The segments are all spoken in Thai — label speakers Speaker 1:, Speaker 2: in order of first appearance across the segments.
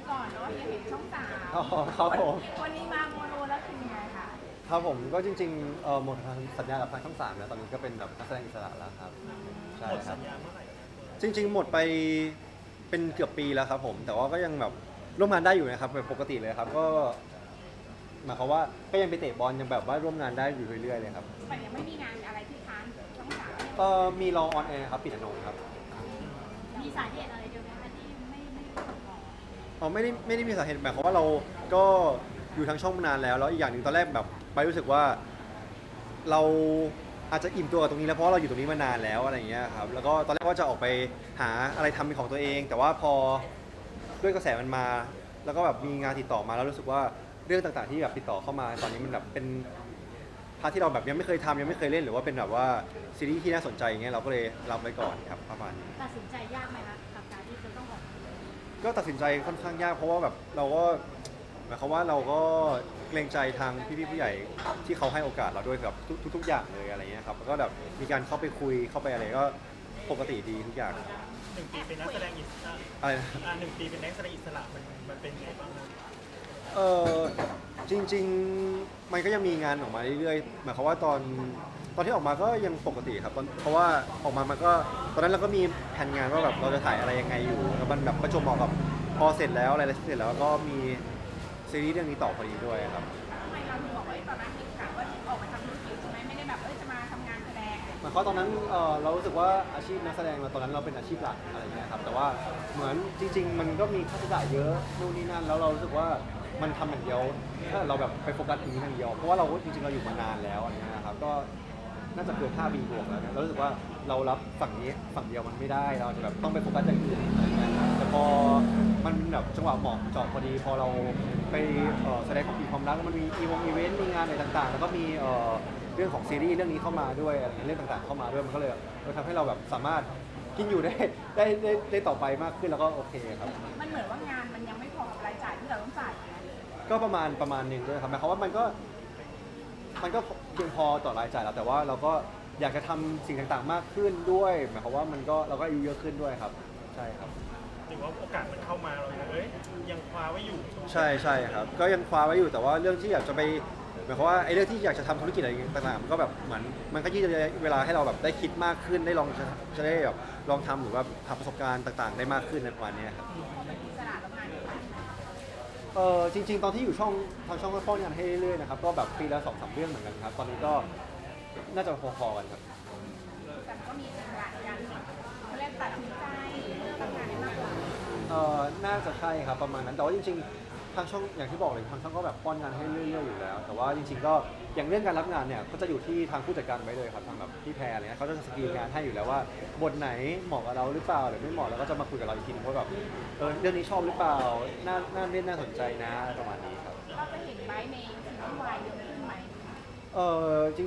Speaker 1: ก่อนเนาะยังเห็นช่องสาม
Speaker 2: อ๋อครับผม
Speaker 1: วันนี้มาโมโนแล้วคือยังไงคะ
Speaker 2: ครับผมก็จริงๆหมดสัญญากับทางช่อง 3แล้วตอนนี้ก็เป็นแบบนักแสดงอิสระแล้วครับใช่
Speaker 3: หมด
Speaker 2: ครับ
Speaker 3: สัญญาเมื่อไหร่
Speaker 2: จริงๆหมดไปเป็นเกือบปีแล้วครับผมแต่ว่าก็ยังแบบร่วมงานได้อยู่นะครับแบบปกติเลยครับก็หมายความว่าก็ยังไปเตะบอลยังแบบว่าร่วมงานได้อยู่เรื่อยๆเลยครับ
Speaker 1: แต่ยังไม่มีงานอะไรที่ค้างช่องสาม
Speaker 2: มีรอออนแอร์ครับปิดอนงค์ครับ
Speaker 1: มีสาเหตุอะไรเดียวไหมคะที่ไม่ต่อ
Speaker 2: อ๋อไม่ได้มีสาเหตุหมายความว่าเราก็อยู่ทางช่องมานานแล้วอีกอย่างหนึ่งตอนแรกแบบไปรู้สึกว่าเราอาจจะอิ่มตัวกับตรงนี้แล้วเพราะเราอยู่ตรงนี้มานานแล้วอะไรอย่างเงี้ยครับแล้วก็ตอนแรกว่าจะออกไปหาอะไรทำเป็นของตัวเอง แต่ว่าพอด้วยกระแสมันมา แล้วก็แบบมีงานติดต่อมาแล้วรู้สึกว่าเรื่องต่างๆที่แบบติดต่อเข้ามาตอนนี้มันแบบเป็นพาร์ทที่เราแบบยังไม่เคยทำยังไม่เคยเล่นหรือว่าเป็นแบบว่าซีรีส์ที่น่าสนใจอย่างเงี้ยเราก็เลยรับไว้ก่อนครับประมาณนี้
Speaker 1: ตัดสินใจยากไหมคะกับการที่จะต้องออก
Speaker 2: ก็ตัดสินใจค่อนข้างยากเพราะว่าแบบเราก็หมายความว่าเราก็เกรงใจทางพี่ๆผู้ใหญ่ที่เขาให้โอกาสเราด้วยกับทุกอย่างเลยอะไรเงี้ยครับแล้วก็แบบมีการเข้าไปคุยเข้าไปอะไรก็ปกติดีทุกอย่าง
Speaker 3: 1 ปีเป็นนักแสดงอิสระ
Speaker 2: อะไรนะ
Speaker 3: 1 ปีเป็นนักแสดงอิสระมันเป็นไงบ้างครับ
Speaker 2: เออจริงๆมันก็ยังมีงานออกมาเรื่อยๆหมายความว่าตอนที่ออกมาก็ยังปกติครับเพราะว่าออกมามันก็ตอนนั้นเราก็มีแผนงานว่าแบบเราจะถ่ายอะไรยังไงอยู่แล้วมันแบบประจวบเหมาะกับพอเสร็จแล้วอะไรเสร็จแล้วก็มีซีรีส์เรื่องนี้ต่อพอดีด้วยครับ
Speaker 1: ทำไมเราถึงบอกว่าตอนนั้นคิดกะว่าออกมาทำธุรกิจใช่ไหมไม่ได้แบบจะมาทำงานแสดง
Speaker 2: หมายความว่าตอนนั้นเรารู้สึกว่าอาชีพนักแสดงเราตอนนั้นเราเป็นอาชีพหลักอะไรเงี้ยครับแต่ว่าเหมือนจริงๆมันก็มีค่าใช้จ่ายเยอะนู่นนี่นั่นแล้วเรารู้สึกว่ามันทำอย่างเดียวถ้าเราแบบไปโฟกัสตรงนี้อย่างเดียวเพราะว่าเราจริงๆเราอยู่มานานแล้วอะไรเงี้ยครับก็น่าจะเกิน5 ปีบวกแล้วเนี่ยเรารู้สึกว่าเรารับฝั่งนี้ฝั่งเดียวมันไม่ได้เราจะแบบต้องไปโฟกัสอย่างอื่นอะไรเงี้ยแต่พอมันแบบจังหวะเหมาะเจาะพอดีพอเราไปแสดงของปีความรักแล้วมันมีอีเวนต์มีงานอะไรต่างๆ แล้วก็มีเรื่องของซีรีส์เรื่องนี้เข้ามาด้วยอะไรเรื่องต่างๆเข้ามาด้วยมันก็เลยทำให้เราแบบสามารถกินอยู่ได้ต่อไปมากขึ้นแล้วก็โอเคครับ
Speaker 1: มันเหมือนว่างานมันยังไม่พอกับรายจ่ายที่เราต้องจ่ายนะ
Speaker 2: ก็ประมาณหนึ่งด้วยครับหมายความว่ามันก็เพียงพอต่อรายจ่ายแล้วแต่ว่าเราก็อยากจะทำสิ่งต่างๆมากขึ้นด้วยหมายความว่าเราก็อายุเยอะขึ้นด้วยครับใช่ครับ
Speaker 3: ถือว่าโอกาสมันเข้ามาเรายังคว้าไว้อยู่
Speaker 2: ใช่ครับก็ยังคว้าไว้อยู่แต่ว่าเรื่องที่อยากจะไปหมายความว่าไอ้เรื่องที่อยากจะทำธุรกิจอะไรต่างๆมันก็แบบเหมือนมันก็ยืดเวลาให้เราแบบได้คิดมากขึ้นได้ลองจะได้แบบลองทำหรือว่าหาประสบการณ์ต่างๆได้มากขึ้นในประมาณนี้ครับ
Speaker 1: พอเป็นอิสระแล้วงาน
Speaker 2: จริงๆตอนที่อยู่ทางช่องก็ป้อนงานให้เรื่อยๆนะครับก็แบบปีละ2-3เรื่องเหมือนกันครับตอนนี้ก็น่าจะพอๆกันครับ
Speaker 1: แต่ก็มีอิสระในการเขาเรียกตัดสินใจทำงานได้มากกว่า
Speaker 2: น่าจะใช่ครับประมาณนั้นแต่ว่าจริงๆทางช่องอย่างที่บอกเลยทางช่องก็แบบป้อนงานให้เรื่อยๆอยู่แล้วแต่ว่าจริงๆก็อย่างเรื่องการรับงานเนี่ยก็จะอยู่ที่ทางผู้จัดการไว้เลยครับทางแบบพี่แพรอะไรเงี้ยเขาจะสกรีนงานให้อยู่แล้วว่าบทไหนเหมาะกับเราหรือเปล่าหรือไม่เหมาะแล้วก็จะมาคุยกับเราอีกทีนึงว่าแบบเรื่องนี้ชอบหรือเปล่าน่าเล่นน่าสนใจนะประมาณนี้ครับ
Speaker 1: เราจะเห็นไบในซีรีส์วายเยอะขึ้นไหม
Speaker 2: จ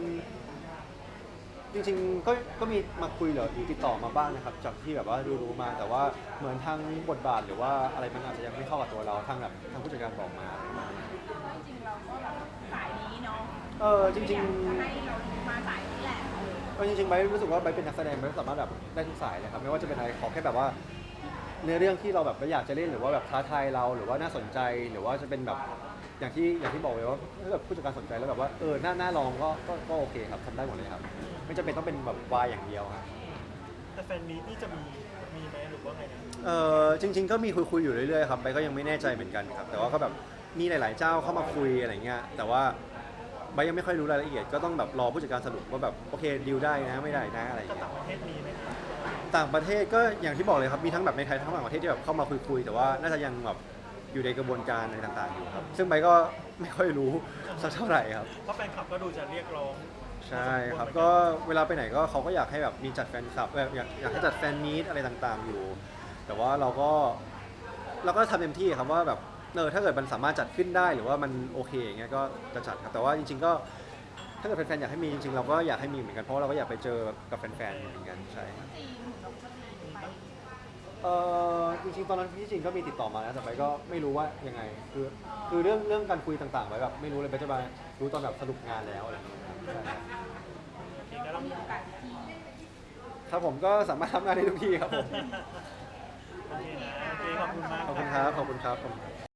Speaker 2: ริงๆก็มีมาคุยหรือติดต่อมาบ้างนะครับจากที่แบบว่ารู้มาแต่ว่าเหมือนทางบทบาทหรือว่าอะไรมันอาจจะยังไม่เข้ากับตัวเราทางแบบทางผู้จัดการบอกมา
Speaker 1: จริงๆเราก็แบบสายนี้เนาะ
Speaker 2: จริง
Speaker 1: ๆให้เรามาสายนี้แหละ
Speaker 2: จริงๆไบร์ทรู้สึกว่าไบร์ทเป็นนักแสดงไบร์ทสามารถแบบได้ทุกสายเลยครับไม่ว่าจะเป็นอะไรขอแค่แบบว่าเนื้อเรื่องที่เราแบบอยากจะเล่นหรือว่าแบบท้าทายเราหรือว่าน่าสนใจหรือว่าจะเป็นแบบอย่างที่บอกเลยว่าถ้าแบบผู้จัดการสนใจแล้วแบบว่าน่าลองก็โอเคครับทำได้หมดเลยครับไม่จำเป็นต้องเป็นแบบวายอย่างเดียวครับ
Speaker 3: แต่แฟนมีตนี่จะมีไหมหรือว่าไงนะ
Speaker 2: จริงๆก็มีคุยอยู่เรื่อยๆครับไบร์ทก็ยังไม่แน่ใจเหมือนกันครับแต่ว่าก็แบบมีหลายๆเจ้าเข้ามาคุยอะไรเงี้ยแต่ว่าไบร์ทยังไม่ค่อยรู้รายละเอียดก็ต้องแบบรอผู้จัดการสรุปว่าแบบโอเคดีลได้นะไม่ได้นะอะไร
Speaker 3: ก็
Speaker 2: เงี้ย
Speaker 3: ต่างประเทศมีไหมครับ
Speaker 2: ต่างประเทศก็อย่างที่บอกเลยครับมีทั้งแบบในไทยทั้งต่างประเทศที่แบบเข้ามาคุยแต่ว่าน่าจะยังแบบอยู่ในกระบวนการอะไรต่างๆอยู่ครับซึ่งไบร์ทก็ไม่ค่อยรู้สักเท่าไหร่ครับ
Speaker 3: เพราะแฟนคลับก็ดูจะเรียกร้อง
Speaker 2: ใช่ครับก็เวลาไปไหนก็เขาก็อยากให้แบบมีจัดแฟนคลับอยากให้จัดแฟนมีตอะไรต่างๆอยู่แต่ว่าเราก็ทำเต็มที่ครับว่าแบบถ้าเกิดมันสามารถจัดขึ้นได้หรือว่ามันโอเคอย่างเงี้ยก็จะจัดครับแต่ว่าจริงๆก็ถ้าเกิดแฟนๆอยากให้มีจริงๆเราก็อยากให้มีเหมือนกันเพราะว่าเราก็อยากไปเจอกับแฟนๆเหมือนกันใช่ครับ
Speaker 1: จีนเราก็จีนไป
Speaker 2: จริงๆตอนนั้นพี่จริงก็มีติดต่อมานะแต่ไปก็ไม่รู้ว่ายังไงคือเรื่องการคุยต่างๆไว้แบบไม่รู้เลยไปจะมารู้ตอนแบบสรุปงานแล้วอะไรอย่างเงี้ยครับใช่
Speaker 1: เราก็มีโอกาสที่
Speaker 2: ครับผมก็สามารถทำงานได้ทุกที่ครับผม
Speaker 3: โอเคนะโอเคขอบคุณมาก
Speaker 2: ขอบคุณครับขอบคุณครับ